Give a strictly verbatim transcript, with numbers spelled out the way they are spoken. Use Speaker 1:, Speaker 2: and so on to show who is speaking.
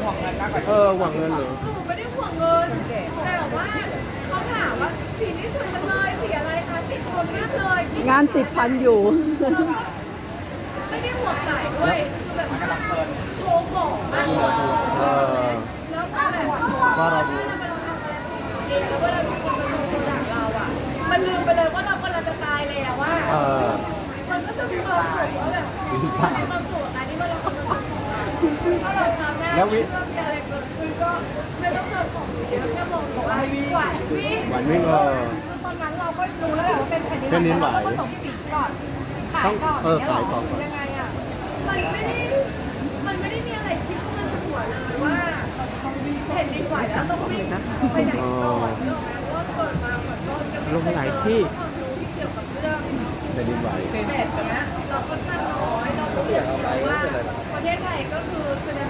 Speaker 1: วงเงินมากกว่า
Speaker 2: เออหวังเงินเหรอ
Speaker 3: หนูไม่ได้ห่วงเงินแต่ว่าเขาถามว่าสีนี้สวยจังเลยสีอะไรคะติดคนมากเลย
Speaker 4: งานติดพันอยู่
Speaker 3: ไม่ได้ห่วงสายด้วยคือแบบว่าโชว์ของมากเลย
Speaker 2: เออ
Speaker 3: แล้วก็แบบ
Speaker 2: ว่าเราดู
Speaker 3: เองแล้วเวลามีคนมาดูจากเราอ่ะมันลืมไปเลยว่าเรากำลังจะตายแล้วว่า
Speaker 2: เออ
Speaker 3: มันก็จะมีความสุขว่าแบบมีความสุขกับการที่ว่าเรากำลังทำของเราถ้าเราทำได้
Speaker 2: แล้ววิ
Speaker 3: เรื่องอะไรเกิดขึ้นก็ไม่ต้องเจอของเยอะแค่มองบอกว่าไหววิ่ง
Speaker 2: หวานวิ่งเออ
Speaker 3: คือตอนนั้นเราก็รู้แล้วแหละว่าเป็นแผ่นดิน
Speaker 2: แผ่นดินไหว
Speaker 3: เราก็ผสมสีก่อนขายก่อน
Speaker 2: เออขายก่อน
Speaker 3: ยังไงอ่ะมันไม่ได้มันไม่ได้มีอะไรคิดเข้ามาในหัวเลยว่าแผ่นดินไหวแล้วต้องวิ่งไปไหนก่อนเรื่องนั้นว่าเกิดมาเหมือนก็จะไม่
Speaker 4: ลงหลายที่
Speaker 3: ความรู้ที่เกี่ยวกับเรื่อง
Speaker 2: แผ่นดินไหว
Speaker 3: แบบเนี้ยเราค่อนข้างน้อยเราก็อยากรู้ว่าประเทศไทยก็คือแสดง